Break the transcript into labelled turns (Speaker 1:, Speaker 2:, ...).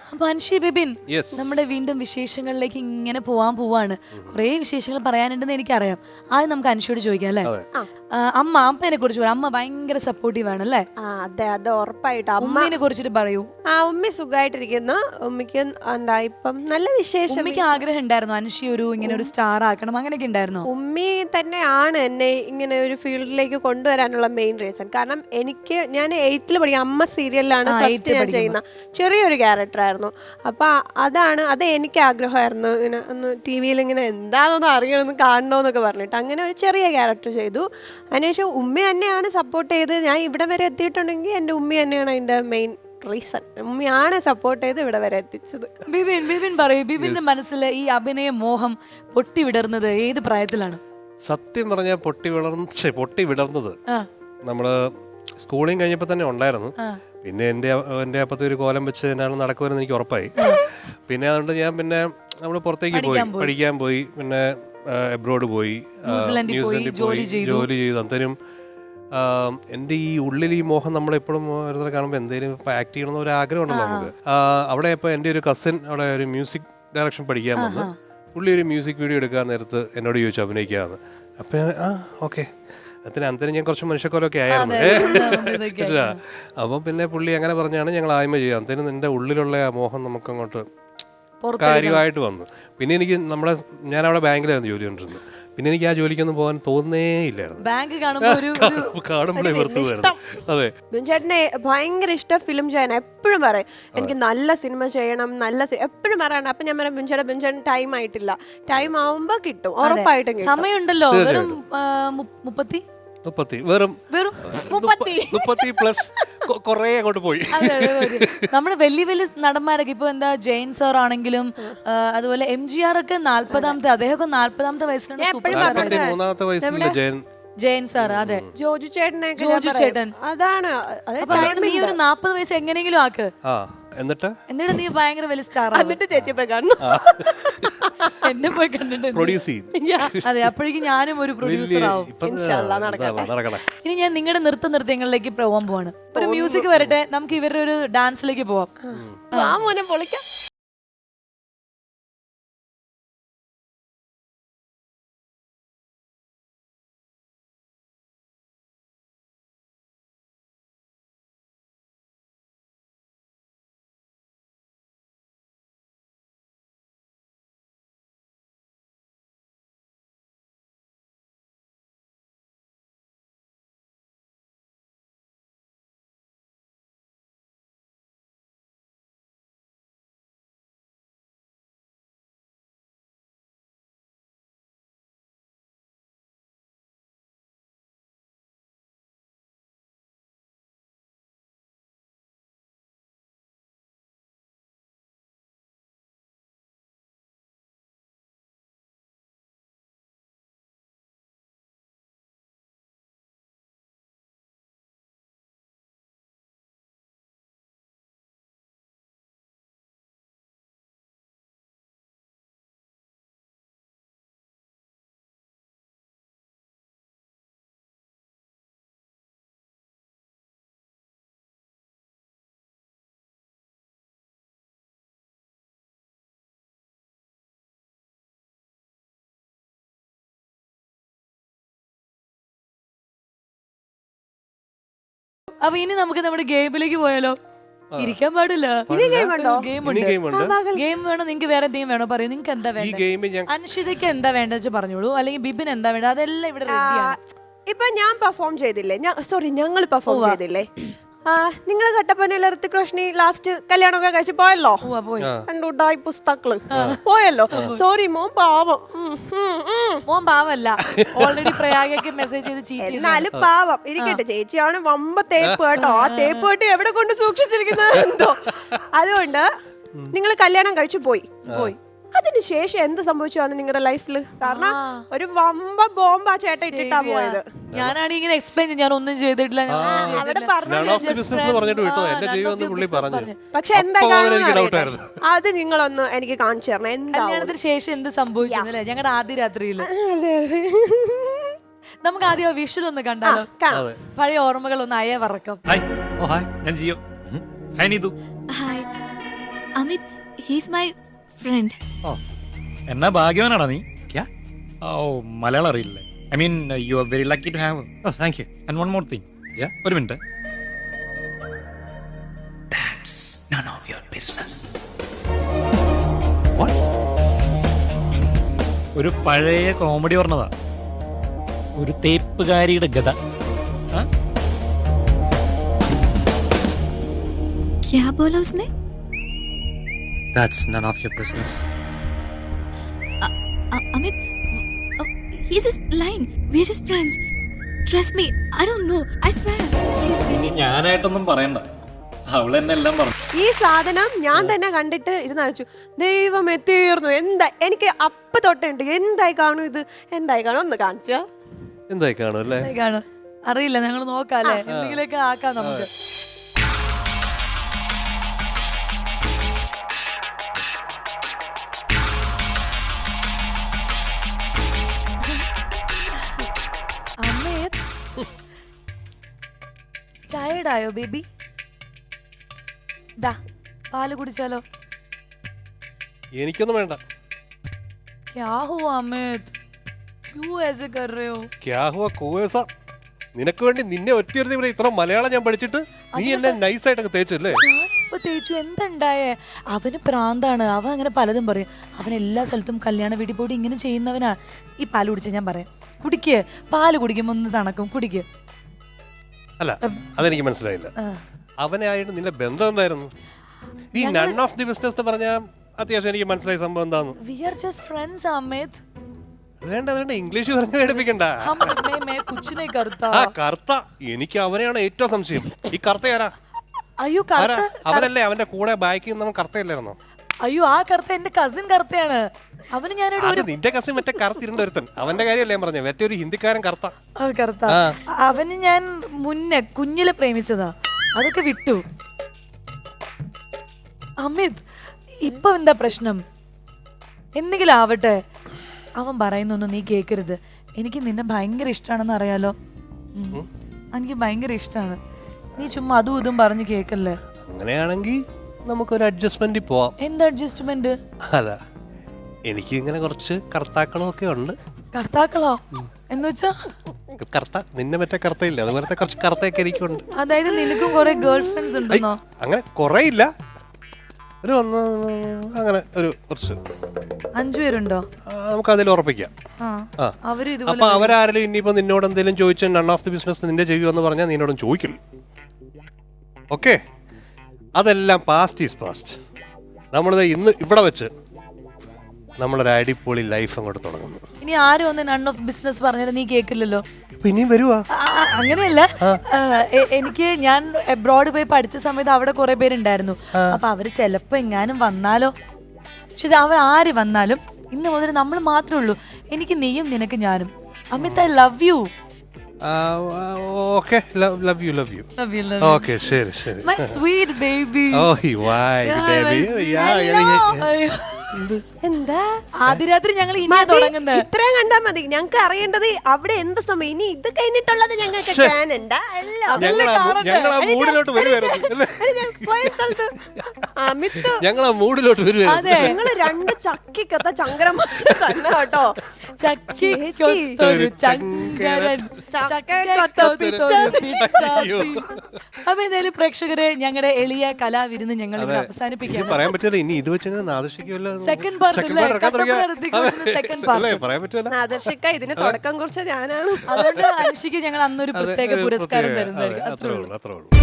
Speaker 1: അപ്പൊ അൻഷി ബിബിൻ,
Speaker 2: Yes.
Speaker 1: നമ്മുടെ വീണ്ടും വിശേഷങ്ങളിലേക്ക് ഇങ്ങനെ പോവാണ്. കുറേ വിശേഷങ്ങൾ പറയാനുണ്ടെന്ന് എനിക്കറിയാം. ആദ്യം നമുക്ക് അൻഷിയോട് ചോദിക്കാം അല്ലേ? അമ്മേനെ കുറിച്ച് പറയാം. അമ്മ ഭയങ്കര സപ്പോർട്ടീവ് ആണ് അല്ലേ?
Speaker 3: അതെ അത് ഉറപ്പായിട്ട്.
Speaker 1: ഉമ്മയെ കുറിച്ചിട്ട് പറയൂ.
Speaker 3: ഉമ്മി സുഖമായിട്ടിരിക്കുന്നു. ഉമ്മിക്ക് എന്താ ഇപ്പം നല്ല വിശേഷം.
Speaker 1: ഉമ്മയ്ക്ക് ആഗ്രഹം ഉണ്ടായിരുന്നു അൻഷി ഇങ്ങനെ ഒരു സ്റ്റാർ ആക്കണം, അങ്ങനെയൊക്കെ ഉണ്ടായിരുന്നോ?
Speaker 3: ഉമ്മി തന്നെയാണ് എന്നെ ഇങ്ങനെ ഒരു ഫീൽഡിലേക്ക് കൊണ്ടുവരാനുള്ള മെയിൻ റീസൺ. കാരണം ഞാൻ 8th പഠിക്കും. അമ്മ സീരിയലിലാണ് ഫസ്റ്റ് ഞാൻ ചെയ്യുന്ന ചെറിയൊരു ക്യാരക്ടറായിരുന്നു. അപ്പൊ അത് എനിക്ക് ആഗ്രഹമായിരുന്നു. ഇങ്ങനെ ഒന്ന് ടി വിയിൽ ഇങ്ങനെ എന്താണെന്ന് അറിയണമെന്ന് കാണണമെന്നൊക്കെ പറഞ്ഞിട്ട് അങ്ങനെ ഒരു ചെറിയ ക്യാരക്ടർ ചെയ്തു. അതിനുശേഷം ഉമ്മി തന്നെയാണ് സപ്പോർട്ട് ചെയ്ത് ഞാൻ ഇവിടെ വരെ എത്തിയിട്ടുണ്ടെങ്കിൽ എൻ്റെ ഉമ്മി തന്നെയാണ് അതിൻ്റെ മെയിൻ റീസൺ. ഉമ്മിയാണ് സപ്പോർട്ട് ചെയ്ത് ഇവിടെ വരെ എത്തിച്ചത്.
Speaker 1: ബിബിൻ പറയൂ, ബിബിന്റെ മനസ്സിൽ ഈ അഭിനയ മോഹം പൊട്ടി വിടർന്നത് ഏത് പ്രായത്തിലാണ്?
Speaker 2: സത്യം പറഞ്ഞാൽ പൊട്ടി വിടർന്നത് നമ്മള് സ്കൂളിങ് കഴിഞ്ഞപ്പോൾ തന്നെ ഉണ്ടായിരുന്നു. പിന്നെ എൻ്റെ അപ്പത്തെ ഒരു കോലം വെച്ച് എന്നാണ് നടക്കുമെന്ന് എനിക്ക് ഉറപ്പായി. പിന്നെ അതുകൊണ്ട് ഞാൻ നമ്മൾ പുറത്തേക്ക് പോയി പഠിക്കാൻ പോയി. പിന്നെ എബ്രോഡ് പോയി, ന്യൂസിലൻഡിൽ പോയി ജോലി ചെയ്തു. അന്നേരം എൻ്റെ ഈ ഉള്ളിൽ ഈ മോഹം നമ്മളെപ്പോഴും ഓരോരുത്തരെ കാണുമ്പോൾ എന്തെങ്കിലും ആക്ട് ചെയ്യണമെന്ന് ഒരു ആഗ്രഹം ഉണ്ടല്ലോ നമുക്ക്. അവിടെ ഇപ്പോൾ എൻ്റെ ഒരു കസിൻ അവിടെ ഒരു മ്യൂസിക് ഡയറക്ഷൻ പഠിക്കാൻ വന്ന് പുള്ളി ഒരു മ്യൂസിക് വീഡിയോ എടുക്കാൻ നേരത്ത് എന്നോട് ചോദിച്ചു അഭിനയിക്കാമെന്ന്. അപ്പം ഞാൻ ഓക്കെ. അന്നേരം ഞാൻ കുറച്ച് മനുഷ്യക്കോലൊക്കെ ആയിരുന്നു. അപ്പം പിന്നെ പുള്ളി അങ്ങനെ പറഞ്ഞാണ് ഞങ്ങൾ ആയ്മ ചെയ്യുക. അന്നേരം എൻ്റെ ഉള്ളിലുള്ള ആ മോഹം നമുക്കങ്ങോട്ട് കാര്യമായിട്ട് വന്നു. പിന്നെ ഞാൻ അവിടെ ബാങ്കിലായിരുന്നു ജോലി കൊണ്ടിരുന്നത്. പിന്നെ എനിക്ക് ആ ജോലിക്കൊന്നും പോകാൻ തോന്നേ ഇല്ലായിരുന്നു.
Speaker 1: ബാങ്ക്
Speaker 2: കാണുമ്പോഴേ വെറുതെ വരുന്നു. അതെ,
Speaker 3: ബിൻചേട്ടനെ ഭയങ്കര ഇഷ്ടം ഫിലിം ചെയ്യാൻ. എപ്പോഴും പറയും എനിക്ക് നല്ല സിനിമ ചെയ്യണം, എപ്പോഴും പറയണം. അപ്പൊ ഞാൻ പറയാം ബിൻചേട്ടൻ ടൈം ആയിട്ടില്ല. ടൈം ആവുമ്പോ കിട്ടും, ഉറപ്പായിട്ടും
Speaker 1: സമയമുണ്ടല്ലോ.
Speaker 2: വെറും 30 പ്ലസ് കൊറേ അങ്ങോട്ട് പോയി.
Speaker 1: നമ്മള് വലിയ നടന്മാരൊക്കെ ഇപ്പൊ ജെയിൻ സാർ ആണെങ്കിലും അതുപോലെ MGR ഒക്കെ 40ാമത്തെ, അദ്ദേഹമൊക്കെ 40ാമത്തെ വയസ്സിലാണ്.
Speaker 2: 43ാമത്തെ വയസ്സിലുള്ള
Speaker 1: ജയൻ സാർ, അതെ,
Speaker 3: ജോജു ചേട്ടൻ. അതാണ്
Speaker 1: നീ ഒരു 40 വയസ്സ് എങ്ങനെയെങ്കിലും ആക്ക്.
Speaker 2: എന്നിട്ട്
Speaker 1: നീ ഭയങ്കര വലിയ സ്റ്റാർ.
Speaker 3: ചേച്ചി പോയി കാണുന്നു,
Speaker 1: എന്നെ പോയി കണ്ടിട്ടുണ്ട്.
Speaker 2: പ്രൊഡ്യൂസ് ചെയ്യും.
Speaker 1: അതെ, അപ്പോഴേക്കും ഞാനും ഒരു പ്രൊഡ്യൂസർ ആവും. ഇനി ഞാൻ നിങ്ങളുടെ നൃത്യങ്ങളിലേക്ക് പോകാൻ പോവാണ്. ഒരു മ്യൂസിക് വരട്ടെ, നമുക്ക് ഇവരുടെ ഒരു ഡാൻസിലേക്ക് പോവാം.
Speaker 3: പൊളിക്കാം.
Speaker 1: അപ്പൊ ഇനി നമുക്ക് നമ്മുടെ ഗെയിമിലേക്ക് പോയാലോ? ഇരിക്കാൻ പാടില്ല. ഗെയിം വേണോ? നിങ്ങക്ക് വേറെ എന്തെങ്കിലും വേണോ? പറയൂ, നിങ്ങക്ക് എന്താ വേണ്ടത്? അൻഷിതയ്ക്ക് എന്താ വേണ്ടത് പറഞ്ഞോളൂ, അല്ലെങ്കിൽ ബിബിൻ എന്താ വേണ്ടത്, അതെല്ലാം ഇവിടെ റെഡിയാണ്.
Speaker 3: ഇപ്പൊ ഞാൻ പെർഫോം ചെയ്തില്ലേ, ഞങ്ങൾ പെർഫോം ചെയ്തില്ലേ, നിങ്ങൾ കട്ടപ്പനയിൽ ഋത്തിക് റോഷനി ലാസ്റ്റ് കല്യാണമൊക്കെ കഴിച്ച് പോയല്ലോ. കണ്ടുണ്ടായി പുസ്തകള് പോയല്ലോ. സോറി മോൻ പാവം.
Speaker 1: മോൻ പാവല്ല, ഓൾറെഡി പ്രയാഗയ്ക്ക് മെസ്സേജ് ചെയ്ത്
Speaker 3: എന്നാലും പാവം ഇരിക്കട്ടെ. ചേച്ചിയാണ് വമ്പ തേപ്പ് കേട്ടോ. ആ തേപ്പ് കേട്ട് എവിടെ കൊണ്ട് സൂക്ഷിച്ചിരിക്കുന്നത് എന്തോ. അതുകൊണ്ട് നിങ്ങൾ കല്യാണം കഴിച്ചു പോയി. അതിനുശേഷം എന്ത് സംഭവിച്ചാണ് നിങ്ങളുടെ ലൈഫിൽ? കാരണം ഒരു വമ്പ ബോംബ് ആ ചേട്ടൻ ഇട്ടിട്ടാ പോയത്.
Speaker 1: ഞാനാണ് ഇങ്ങനെ എക്സ്പ്ലെയിൻ ചെയ്ത്, ഞാൻ ഒന്നും ചെയ്തിട്ടില്ല.
Speaker 3: പക്ഷെ എന്താ അത് നിങ്ങളൊന്ന് എനിക്ക് കാണിച്ചു തരണം. എന്താ
Speaker 1: കല്യാണത്തിന് ശേഷം എന്ത് സംഭവിച്ചല്ലേ ഞങ്ങളുടെ ആദ്യ രാത്രിയിൽ? നമുക്ക് ആദ്യം വിഷ്വൽ ഒന്ന് കണ്ടാലോ? പഴയ ഓർമ്മകൾ ഒന്ന് അയവറക്കം.
Speaker 4: Amit, he's my friend.
Speaker 5: ഓ എന്നാ ഭാഗ്യവാനാടാ നീ ഓ മലയാളം അറിയില്ലേ I mean you are very lucky to have.
Speaker 2: Oh thank you.
Speaker 5: And one more thing ഒരു minute.
Speaker 6: That's none of your business.
Speaker 5: ഒരു പഴയ കോമഡി പറഞ്ഞതാ, ഒരു തേപ്പുകാരിയുടെ ഗത. ആ?
Speaker 4: क्या बोला उसने?
Speaker 2: That's none of your business.
Speaker 4: Amit, he's just lying. We're just friends. Trust me, I don't know. I swear. Please.
Speaker 5: ഇനി ഞാനായിട്ടൊന്നും പറയണ്ട, അവൾ എന്നെ എല്ലാം പറഞ്ഞു.
Speaker 3: ഈ സാധനം ഞാൻ തന്നെ കണ്ടിട്ട് ഇരുന്നഴിച്ചു. ദൈവം എത്തിയിരുന്നു. എന്താ എനിക്ക് അപ്പ് തൊട്ടുണ്ട് എന്തായി കാണും ഇത്, എന്തായി കാണും ഒന്ന് കാണിച്ചാ.
Speaker 2: എന്തായി കാണും അല്ലേ?
Speaker 1: കാണും അറിയില്ല, ഞങ്ങൾ നോക്കാല്ലേ, എന്തെങ്കിലുമൊക്കെ ആക്കാം നമുക്ക്. ടയർഡായോ ബേബി? ദാ പാല് കുടിച്ചാലോ?
Speaker 2: എനിക്കൊന്നും വേണ്ട.
Speaker 1: क्या हुआ अमित, क्यों ऐसे कर रहे हो?
Speaker 2: ക്യാ ഹുവാ കൂവേസ? നിനക്ക് വേണ്ടി നിന്നെ ഒറ്റയൊരുത്തി ഇവിടെ ഇത്ര മലയാളം ഞാൻ പഠിച്ചിട്ട് നീ എന്നെ നൈസായിട്ടൊക്കെ തേച്ചല്ലേ?
Speaker 1: ഞാനിപ്പോ തേച്ചു, എന്തുണ്ടായേ? അവന് പ്രാന്താണ്, അവൻ അങ്ങനെ പലതും പറയും. അവൻ എല്ലാ സ്ഥലത്തും കല്യാണ വീട്ടിൽ പോയിട്ട് ഇങ്ങനെ ചെയ്യുന്നവനാ. ഈ പാല് കുടിച്ച ഞാൻ പറയാം, കുടിക്ക്. പാല് കുടിക്കുമ്പോ ഒന്ന് തണക്കും, കുടിക്ക്.
Speaker 2: അല്ല അതെനിക്ക് മനസ്സിലായില്ല. അവനായിട്ട് നിന്റെ ബന്ധം എന്തായിരുന്നു? ഈ നൺ ഓഫ് ദി ബിസിനസ് പറഞ്ഞ അത്യാവശ്യം എനിക്ക് മനസ്സിലായ സംഭവം എന്താന്ന്.
Speaker 1: We are just friends, Amit.
Speaker 2: അതുകൊണ്ട് ഇംഗ്ലീഷ് പറഞ്ഞു പഠിപ്പിക്കണ്ട.
Speaker 1: हम मैं कुछ नहीं करता.
Speaker 2: ആ കറുത്ത, എനിക്ക് അവനെയാണ് ഏറ്റവും സംശയം. ഈ കറുത്ത ആരാ?
Speaker 1: അയ്യോ
Speaker 2: ആരാ?
Speaker 1: കറുത്ത,
Speaker 2: അവനല്ലേ അവന്റെ കൂടെ ബാക്കിൽ നിന്ന് കറുത്തയല്ലായിരുന്നോ?
Speaker 1: അയ്യോ ആ കറുത്ത എന്റെ കസിൻ കറുത്തയാണ്. അവന് ഞാനൊരു
Speaker 2: അത് നിന്റെ കസിൻ മറ്റേ കറുത്തിരുണ്ട ഒരുത്തൻ, അവന്റെ കാര്യമല്ലേ ഞാൻ പറഞ്ഞത്. മറ്റേ ഒരു ഹിന്ദിക്കാരൻ കറുത്ത.
Speaker 1: കറുത്ത അവന് ഞാൻ മുന്നേ കുഞ്ഞിലെ പ്രേമിച്ചതാ, അതൊക്കെ വിട്ടു. അമിത് ഇപ്പൊ എന്താ പ്രശ്നം? എന്തെങ്കിലും ആവട്ടെ, അവൻ പറയുന്നൊന്നും നീ കേക്കരുത്. എനിക്ക് നിന്നെ ഭയങ്കര ഇഷ്ടമാണെന്ന് അറിയാലോ. എനിക്ക് ഭയങ്കര ഇഷ്ടമാണ്. നീ ചുമ്മാ അതും ഇതും പറഞ്ഞു കേക്കല്ലേ.
Speaker 2: അങ്ങനെയാണെങ്കിൽ നമുക്കൊരു അഡ്ജസ്റ്റ്മെന്റിൽ പോവാം.
Speaker 1: എന്ത് അഡ്ജസ്റ്റ്മെന്റ്?
Speaker 2: അല്ല, എനിക്ക് ഇങ്ങനെ കുറച്ച് കർത്താക്കളൊക്കെ ഉണ്ട്.
Speaker 1: കർത്താക്കളോ എന്ന് വെച്ചാ?
Speaker 2: കർത്ത, നിന്നെ മറ്റേ കർത്തയില്ല, അതുപോലത്തെ കുറച്ച് കർത്തയൊക്കെ എനിക്കുണ്ട്.
Speaker 1: അതായത് നിനക്കും കുറെ ഗേൾ ഫ്രണ്ട്സ് ഉണ്ടെന്നോ?
Speaker 2: അങ്ങനെ കുറെ ഇല്ല, ഒരു അങ്ങനെ ഒരു കുറച്ച്
Speaker 1: 5 പേരുണ്ടോ?
Speaker 2: നമുക്ക് അതിൽ ഉറപ്പിക്കാം.
Speaker 1: അവര്
Speaker 2: അപ്പൊ അവരാരെങ്കിലും ഇനിയിപ്പോ നിന്നോട് എന്തെങ്കിലും ചോദിച്ചാൽ നൺ ഓഫ് ദി ബിസിനസ് നിന്റെ ചെയ്യുമെന്ന് പറഞ്ഞാൽ നിന്നോടും ചോദിക്കില്ല. ഓക്കെ, അതെല്ലാം പാസ്റ്റ് ഈസ് പാസ്റ്റ്. നമ്മളിത് ഇന്ന് ഇവിടെ വെച്ച് നമ്മളൊരു അടിപൊളി ലൈഫ് അങ്ങോട്ട് തുടങ്ങുന്നു.
Speaker 1: ഇനി ആരും ഒന്ന് നൺ ഓഫ് ബിസിനസ് പറഞ്ഞാലും നീ കേക്കില്ലല്ലോ.
Speaker 2: ഇപ്പൊ ഇനിയും വരുവാ?
Speaker 1: അങ്ങനെയല്ല, എനിക്ക് ഞാൻ എബ്രോഡ് പോയി പഠിച്ച സമയത്ത് അവിടെ കുറെ പേരുണ്ടായിരുന്നു. അപ്പൊ അവര് ചെലപ്പോ എങ്ങാനും വന്നാലോ. പക്ഷെ അവർ ആര് വന്നാലും ഇന്ന് മുതൽ നമ്മൾ മാത്രമേ ഉള്ളൂ. എനിക്ക് നീയും നിനക്ക് ഞാനും. Amit, I love you.
Speaker 2: Okay, love you. Okay, ശരി ശരി.
Speaker 1: My sweet baby.
Speaker 2: Oh why baby.
Speaker 3: എന്താ
Speaker 1: ആദ്യ രാത്രി ഞങ്ങൾ ഇനി തുടങ്ങുന്നത്.
Speaker 3: ഇത്രയും കണ്ടാ മതി. ഞങ്ങൾക്ക് അറിയേണ്ടത് അവിടെ എന്ത് സമയം. ഇനി ഇത് കഴിഞ്ഞിട്ടുള്ളത് ഞങ്ങൾക്ക് കാണണ്ട.
Speaker 2: ഞങ്ങൾ ആ മൂഡിലോട്ട് വരുവായിരുന്നു. ഞങ്ങൾ ആ മൂഡിലോട്ട് വരുവായിരുന്നു.
Speaker 3: ഞങ്ങള് 2 ചക്കിക്കൊത്ത ചങ്കരന്മാർ തന്നെ കേട്ടോ.
Speaker 1: ചക്കിക്കൊത്തൊരു ചങ്കരൻ, അപ്പൊ എന്തായാലും പ്രേക്ഷകരെ, ഞങ്ങളുടെ എളിയ കലാവിരുന്ന് ഞങ്ങൾ അവസാനിപ്പിക്കാം.
Speaker 2: പറയാൻ പറ്റില്ല, ഇനി ഇത് വെച്ച് നാദർശിക്കുമല്ലോ.
Speaker 1: സെക്കൻഡ് പാർട്ട്
Speaker 2: പറയാൻ പറ്റില്ല.
Speaker 3: നാദർശിക്ക ഇതിന് തുടക്കം കുറിച്ച് ഞാനാണ്.
Speaker 1: അതുകൊണ്ട് അനുഷിക്ക് ഞങ്ങൾ അന്നൊരു പ്രത്യേക പുരസ്കാരം തരുന്നതായിരിക്കും.
Speaker 2: അത്രേ ഉള്ളൂ.